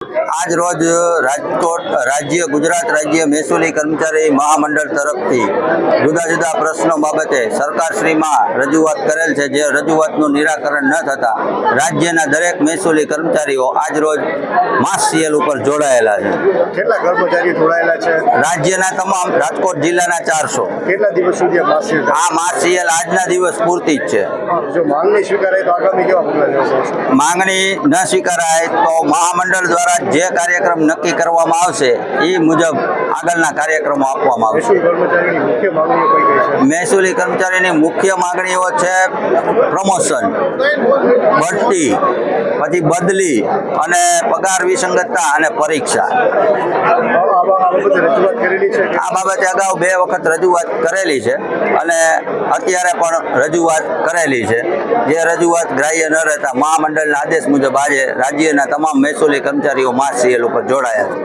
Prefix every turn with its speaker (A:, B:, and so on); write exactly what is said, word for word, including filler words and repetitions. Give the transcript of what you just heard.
A: આજ રોજ રાજકોટ રાજ્ય ગુજરાત રાજ્ય મહેસૂલી કર્મચારી મહામંડળ તરફથી જુદા જુદા પ્રશ્નો બાબતે સરકારશ્રીમાં રજૂઆત કરેલ છે, જે રજૂઆતનું નિરાકરણ ન થતા રાજ્યના દરેક મહેસૂલી કર્મચારીઓ આજ રોજ માસ સીએલ ઉપર જોડાયેલા છે.
B: કેટલા કર્મચારીઓ જોડાયેલા છે?
A: રાજ્યના તમામ રાજકોટ જિલ્લાના ચારસો.
B: કેટલા દિવસ સુધી આ માસ સીએલ ચાલશે?
A: આ માસ સીએલ આજના દિવસ પૂરતી જ છે.
B: જો માંગણી સ્વીકારાય તો આગામી કેવા પગલાં લેવાશે?
A: માંગણી ન સ્વીકારાય તો મહામંડળ દ્વારા જે કાર્યક્રમ નક્કી કરવામાં આવશે એ મુજબ આગળના કાર્યક્રમો આપવામાં આવશે.
B: મહેસૂલ કર્મચારીની મુખ્ય માંગણીઓ કઈ કઈ છે?
A: મહેસૂલી કર્મચારીની મુખ્ય માંગણીઓ છે પ્રમોશન, બઢતી, પછી બદલી અને પગાર વિસંગતતા અને પરીક્ષા.
B: આ બાબતે રજૂઆત કરેલી છે?
A: આ બાબતે અગાઉ બે વખત રજૂઆત કરેલી છે અને અત્યારે પણ રજૂઆત કરેલી છે. જે રજૂઆત ગ્રાહ્ય ન રહેતા મહામંડળના આદેશ મુજબ આજે રાજ્યના તમામ મહેસૂલી કર્મચારીઓ માસ સીએલ ઉપર જોડાયા છે.